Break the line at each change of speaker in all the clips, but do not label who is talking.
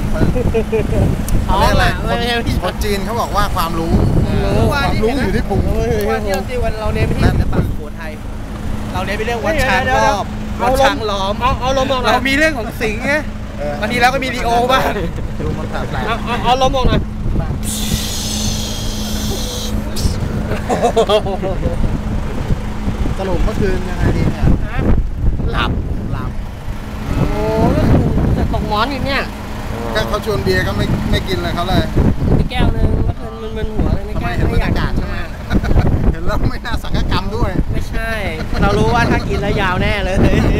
เขาเรียกอะไร
คนจีนเขาบอกว่าความรู้อยู่ที่พุง
ว่าที่เราตีวันเราเน้นไปที่ศิลปะสุโขทัยเราเน้นไปเรื่องวัดช้างรอบวัดช้างล้อมเอาลมออกเรามีเรื่องของสิงห์ไงบางทีเราก็มีลีโอบ้าง
ดูมันแปลก
เอาลมออกหน่อย
สรุปเมื่อคืนยังไงดีเนี่ย
หลับโอ้ก็คือจะตกหมอนอยู่เนี่ย
ก็เขาชวนเบียร์ก็ไม่กินเลยเขาเลย
มีแก้วนึงเมื่อคืนมันหัวเลยไม่แก้ว
ไม่อยากใช่ไหมเห็นแล้วไม่น่าสังฆกรรมด้วย
ไม่ใช่เรารู้ว่าถ้ากินแล้วยาวแน่เลย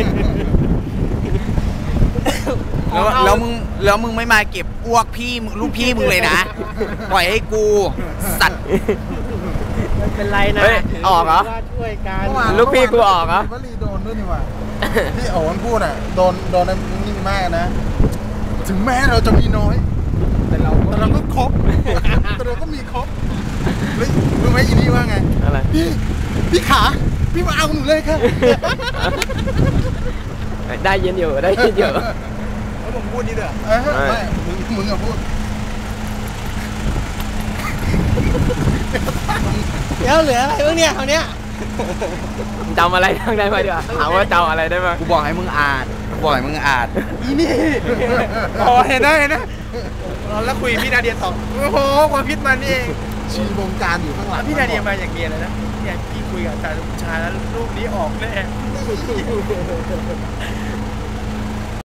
แล้วมึงไม่มาเก็บอ้วกพี่ลูกพี่มึงเลยนะปล่อยให้กูสัตว์
ไม่เป็นไรนะ
ออกเหรอ
ช่วยกัน
ลูกพี่กูออกเหรอ
วลีโดนด้วยนี่ว่ะที่โอ๋นพูดอ่ะโดนนี่มากนะถึงแม้เราจะมีน้อยแต่เราก็ครบแต่เราก็มีครบรู้ไหมอีนี่ว่าไง
อะไร
พี่ขาพี่มาเอาหนูเลยค่ะ
ได้ยินอยู่แล้ว
ผมพูดนี่เด้อไม่มึงอะพูด
เดี๋ยวเหลืออะไรบ้างเนี่ยคราวเนี้ย
จำอะไรได้ไหมดีกว่าถามว่าจำอะไรได้ไหมกูบอกให้มึงอ่าน
อีนี่เห็นนะแล้วคุยพี่นาเดียต่อโอ้โหความคิดมันนี่เอง
ชีวงการอยู่ข้างหลัง
พี่นาเดียมาอย่างเดียวเลยนะเนี่ยพี่คุยกับอาจารย์ชายแล้วรูปนี้ออกแน่